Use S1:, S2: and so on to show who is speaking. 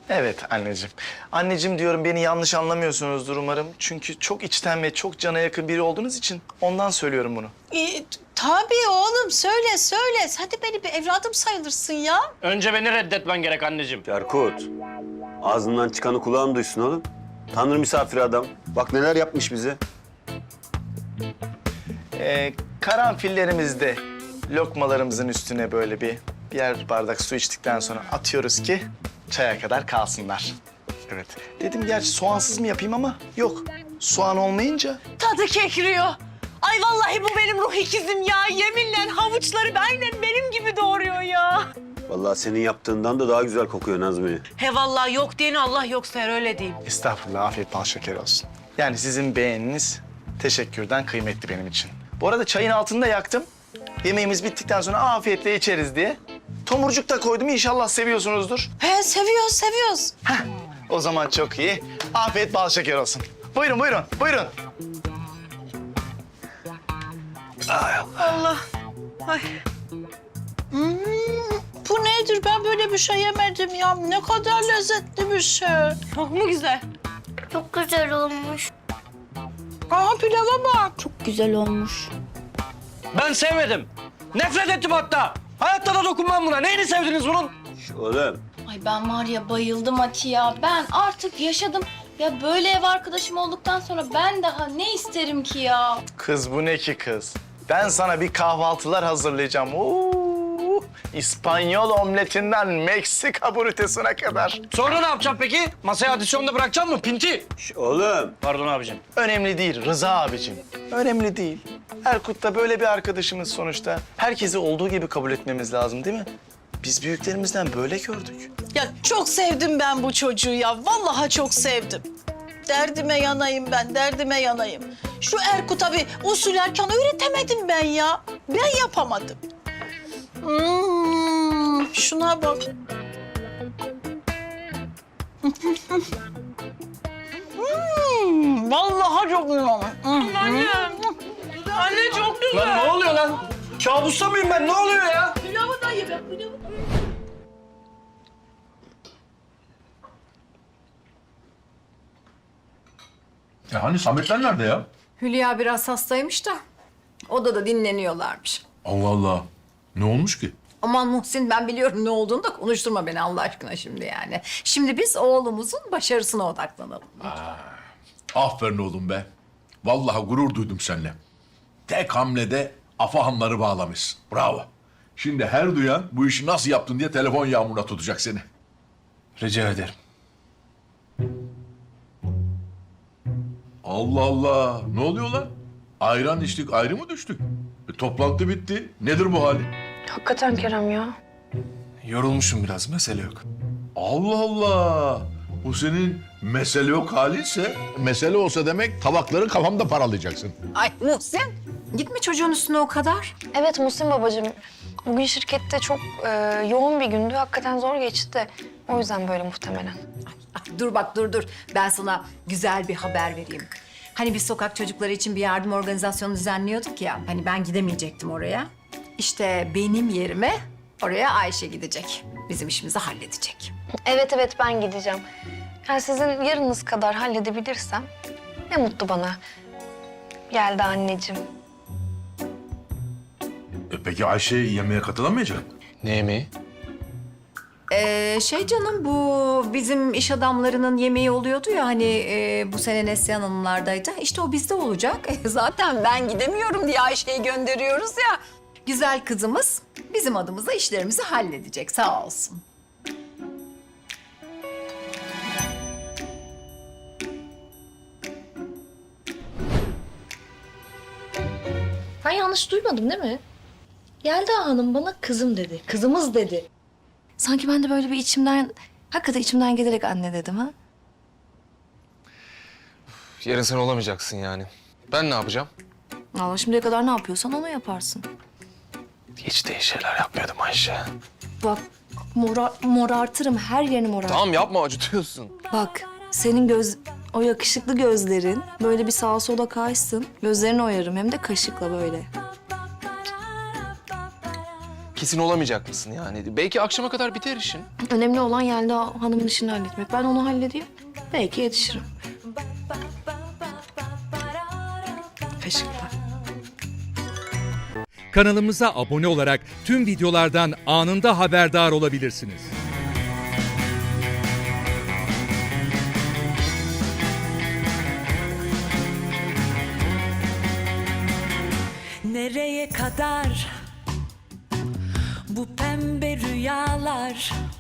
S1: Evet anneciğim. Anneciğim diyorum, beni yanlış anlamıyorsunuzdur umarım. Çünkü çok içten ve çok cana yakın biri olduğunuz için ondan söylüyorum bunu.
S2: Tabii oğlum, söyle söyle. Sen de benim bir evladım sayılırsın ya.
S3: Önce beni reddetmen gerek anneciğim.
S4: Erkut, ağzından çıkanı kulağın duysun oğlum. Tanrı misafiri adam. Bak neler yapmış bize.
S1: Karanfillerimizde lokmalarımızın üstüne böyle birer bardak su içtikten sonra atıyoruz ki çaya kadar kalsınlar. Evet. Dedim gerçi soğansız mı yapayım ama yok. Soğan olmayınca
S2: Tadı kekriyor. Ay vallahi bu benim ruh ikizim ya. Yeminle havuçları aynen benim gibi doğuruyor ya.
S4: Vallahi senin yaptığından da daha güzel kokuyor Nazmi.
S2: He vallahi yok diyeni Allah yok sayar, öyle diyeyim.
S1: estağfurullah, afiyet bal şeker olsun. Yani sizin beğeniniz teşekkürden kıymetli benim için. Bu arada çayın altını da yaktım. Yemeğimiz bittikten sonra afiyetle içeriz diye. Tomurcuk da koydum, inşallah seviyorsunuzdur.
S2: He seviyoruz seviyoruz.
S1: O zaman çok iyi. Afiyet bal şeker olsun. Buyurun, buyurun, buyurun.
S2: Allah. Ay. Bu nedir? Ben böyle bir şey yemedim ya. Ne kadar lezzetli bir şey. Çok mu güzel?
S5: Çok güzel olmuş.
S2: Aa pilava bak.
S5: Çok güzel olmuş.
S3: Ben sevmedim. Nefret ettim hatta. Hayatta da dokunmam buna. Neyini sevdiniz bunun?
S4: Oğlum,
S5: Ay ben var ya bayıldım Ati ya. Ben artık yaşadım. Ya böyle ev arkadaşım olduktan sonra ben daha ne isterim ki ya?
S1: Kız bu ne ki kız? Ben sana bir kahvaltılar hazırlayacağım. Oo, İspanyol omletinden Meksika burritesine kadar.
S3: Sonra ne yapacağım peki? Masaya adisyonda bırakacağım mı pinti?
S4: oğlum.
S3: Pardon abicim.
S1: Önemli değil Rıza abicim. Önemli değil. Erkut da böyle bir arkadaşımız sonuçta. Herkesi olduğu gibi kabul etmemiz lazım değil mi? Biz büyüklerimizden böyle gördük.
S2: Ya çok sevdim ben bu çocuğu ya. Vallahi çok sevdim. Derdime yanayım ben, derdime yanayım. Şu Erkut'a bir usul erkan öğretemedim ben ya. Ben yapamadım. Şuna bak. Vallahi çok güzel olmuş. Anne. Anne çok güzel.
S3: Lan ne oluyor lan? Kabusta mıyım ben? Ne oluyor ya?
S2: Pilavı da ye be, pilavı.
S6: Ya hani Sametler nerede ya?
S7: Hülya biraz hastaymış da odada dinleniyorlarmış.
S6: Allah Allah. Ne olmuş ki?
S7: Aman Muhsin, ben biliyorum ne olduğunu da konuşturma beni Allah aşkına şimdi yani. Şimdi biz oğlumuzun başarısına odaklanalım.
S6: Aferin oğlum be. Vallahi gurur duydum seninle. Tek hamlede afahanları bağlamışsın. Bravo. Şimdi her duyan bu işi nasıl yaptın diye telefon yağmuruna tutacak seni.
S1: Rica ederim.
S6: Allah Allah. Ne oluyor lan? Ayran içtik, ayrı mı düştük? Toplantı bitti. Nedir bu hali?
S8: Hakikaten Kerem ya.
S1: Yorulmuşum biraz, mesele yok.
S6: Allah Allah. Bu senin mesele yok halinse, mesele olsa demek tabakları kafamda paralayacaksın.
S7: Ay Muhsin, gitme çocuğun üstüne o kadar.
S8: Evet Muhsin babacığım. Bugün şirkette çok yoğun bir gündü. Hakikaten zor geçti. O yüzden böyle muhtemelen.
S7: Ah, dur bak dur. Ben sana güzel bir haber vereyim. Hani biz sokak çocukları için bir yardım organizasyonu düzenliyorduk ya. Hani ben gidemeyecektim oraya. İşte benim yerime oraya Ayşe gidecek. Bizim işimizi halledecek.
S8: Evet ben gideceğim. Yani sizin yarınız kadar halledebilirsem ne mutlu bana. Geldi anneciğim.
S6: Peki Ayşe yemeğe katılamayacak mı?
S1: Ne yemeği?
S7: Canım, bu bizim iş adamlarının yemeği oluyordu ya hani bu sene Neslihan Hanımlardaydı. İşte o bizde olacak. Zaten ben gidemiyorum diye Ayşe'yi gönderiyoruz ya. Güzel kızımız bizim adımıza işlerimizi halledecek, sağ olsun.
S8: Ben yanlış duymadım değil mi? Yelda Hanım bana kızım dedi. Kızımız dedi. Sanki ben de böyle bir hakikaten içimden gelerek anne dedim ha.
S9: Yarın sen olamayacaksın yani. Ben ne yapacağım?
S8: Allah şimdiye kadar ne yapıyorsan onu yaparsın.
S1: Hiç de iyi şeyler yapmıyordum Ayşe.
S8: Bak morartırım, her yerini morartırım.
S9: Tamam yapma, acıtıyorsun.
S8: Bak senin o yakışıklı gözlerin böyle bir sağa sola kaysın. Gözlerini oyarım hem de kaşıkla böyle.
S9: Ki kesin olamayacak mısın yani? Belki akşama kadar biter işin.
S8: Önemli olan Yelda Hanım'ın işini halletmek. Ben onu halledeyim. Belki yetişirim. Teşekkürler.
S10: Kanalımıza abone olarak tüm videolardan anında haberdar olabilirsiniz.
S11: Nereye kadar bu pembe rüyalar?